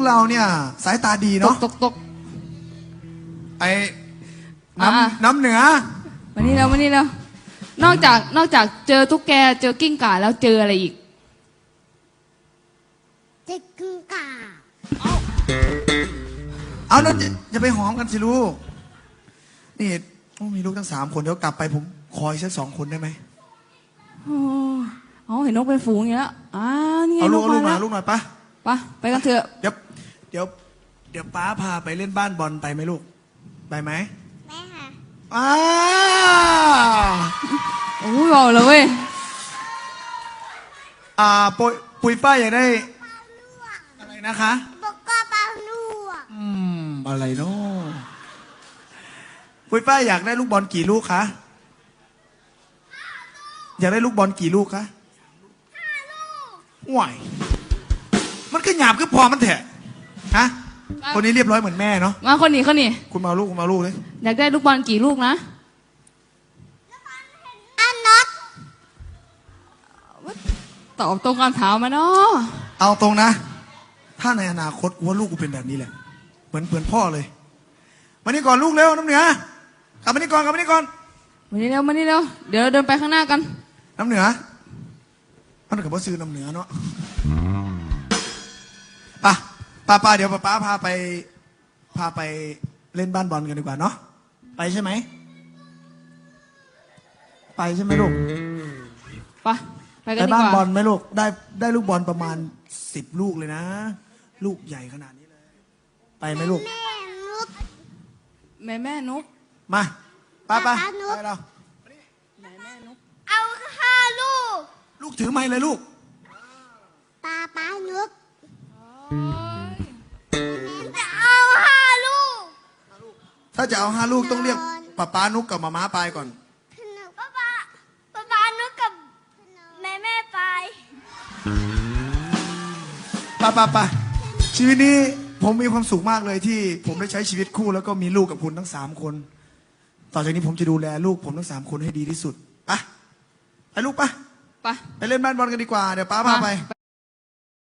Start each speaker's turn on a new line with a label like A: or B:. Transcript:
A: เราเนี่ยสายตาดี
B: ต
A: เนาะ
B: กตกตก
A: ไอ้
B: อ่ะ
A: น้ำเหนือ
B: มานี่แล้วนอกจากเจอตุ๊กแกเจอกิ้งก่าแล้วเจออะไรอีก
C: เด็กกึ่งก่า
A: เอาแล้วจะไปหอมกันสิลูกนี่มีลูกทั้ง3 คนเดี๋ยวกลับไปผมคอยสัก2 คนได้ไหม
B: อ๋อเห็นนกเป็นฝูงอย่างนี้แล้วนี่ไง
A: เอาลูก
B: มา
A: มา
B: แล้ว
A: ลูกหน่อยปะ
B: ไปกันเถอะ
A: เดี๋ยวป้าพาไปเล่นบ้านบอลไปไหมลูกไปไหม
C: แม่ค่ะ
B: โอ้ยบอกเลยเว้ย
A: ปุยฝ้ายอยากได้อะไรนะคะ
C: บอกก็ปลาลวก
A: อะไรเนาะปุยฝ้ายอยากได้ลูกบอลกี่ลูกคะอยากได้ลูกบอลกี่ลูกคะ5 ลูกห่วยมันก็หยาบก็พอมันเถอะฮะคนนี้เรียบร้อยเหมือนแม่เนาะ
B: มาคนนี้
A: คุณมาลูกเลย
B: อยากได้ลูกบอลกี่ลูกนะ
C: อันน็อต
B: ตอบตรงคำถามมาเนาะ
A: เอาตรงนะ ถ้าในอนาคตกูว่าลูกกูเป็นแบบนี้แหละเหมือนพ่อเลยมานี่ก่อนลูกเร็วน้ำเหนือกลับมานี่ก่อนมานี่เร็ว
B: เดี๋ยวเราเดินไปข้างหน้ากัน
A: น้ำเหนือมันกับว่าซื้อน้ำเหนือเนาะป้าเดี๋ยวป้าพาไปเล่นบ้านบอลกันดีกว่าเนาะไปใช่ไหมไปใช่ไหมลูก
B: ไปกัน
A: ไป
B: ดี
A: บ้าน
B: กว่า
A: บอลไหมลูกได้ลูกบอลประมาณ10 ลูกเลยนะ ลูกใหญ่ขนาดนี้เลยไปไหมลูก
C: แม่นุก
B: แม่นก
A: มาไป
C: ป๊า
A: ไป
C: นุก
A: เรา
B: แม่นก
C: เอา5 ลูก
A: ลูกถือไม้เลยลูก
C: ปลานุกจะเอา5 ลูก
A: ถ้าจะเอา5 ลูกต้องเรียกป้านุกกับมาม้าไปก่อน
C: ป๊านุกกับแม่ไป
A: ไปชีวิตนี้ผมมีความสุขมากเลยที่ผมได้ใช้ชีวิตคู่แล้วก็มีลูกกับคุณทั้ง3 คน ต่อจากนี้ผมจะดูแลลูกผมทั้ง3 คนให้ดีที่สุดไปลูกไปเล่นบ้านบอลกันดีกว่าเดี๋ยวป้าพาไป